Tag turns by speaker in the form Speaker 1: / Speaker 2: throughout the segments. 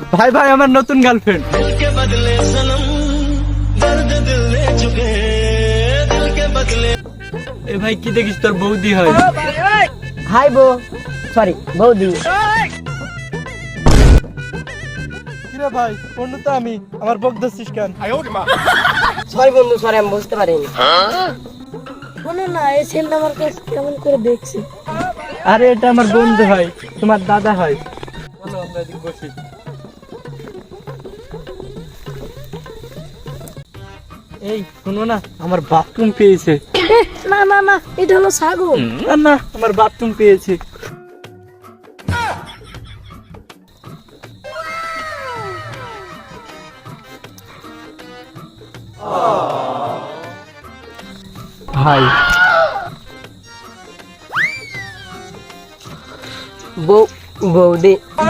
Speaker 1: ভাই ভাই আমার নতুন গার্লফ্রেন্ড। এ ভাই কি দেখিস তোর বৌদি হয়।
Speaker 2: হাই বউ, সরি বৌদি।
Speaker 1: কিরে ভাই বন্ধু তো আমি, আমার বক দছিস কেন?
Speaker 2: সরি বন্ধু, সরি আমি বুঝতে পারিনি।
Speaker 3: শোনো না, এই ছেলেটা আমার কাছে কেমন করে দেখছে।
Speaker 1: আরে এটা আমার বন্ধু হয়, তোমার দাদা হয়। চলো আমরা এদিকে বসি। এই শোনো না, আমার বাথরুম পেয়েছে।
Speaker 3: না না না, এটা হলো ছাগল।
Speaker 1: না না, আমার বাথরুম পেয়েছে। ভাই
Speaker 2: বৌদি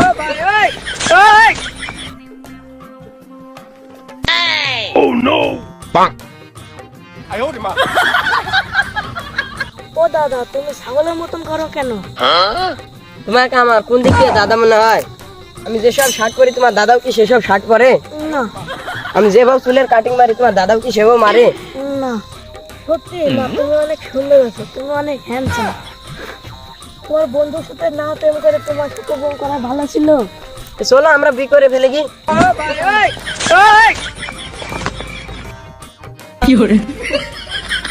Speaker 3: ও দাদা, তুমি ছাগলের মতন করো কেন?
Speaker 2: তোমাকে আমার কোন দিক থেকে দাদা মনে হয়? আমি যেসব শার্ট পরি তোমার দাদাও কি সেসব শার্ট পরে?
Speaker 3: না
Speaker 2: আমি যেভাবে চুলের কাটিং মারি তোমার দাদাও কি সেভাবে মারে?
Speaker 3: না, সত্যি না, তুমি অনেক সুন্দর আছো, তুমি অনেক হ্যান্ডসাম। তোমার বন্ধুর সাথে না প্রেম করে তোমার সাথে প্রেম করা ভালো ছিল।
Speaker 2: চলো আমরা বিয়ে করে ফেলে কি?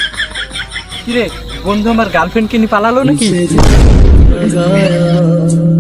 Speaker 1: কিরে বন্ধু আমার গার্লফ্রেন্ডকে নিয়ে পালালো নাকি?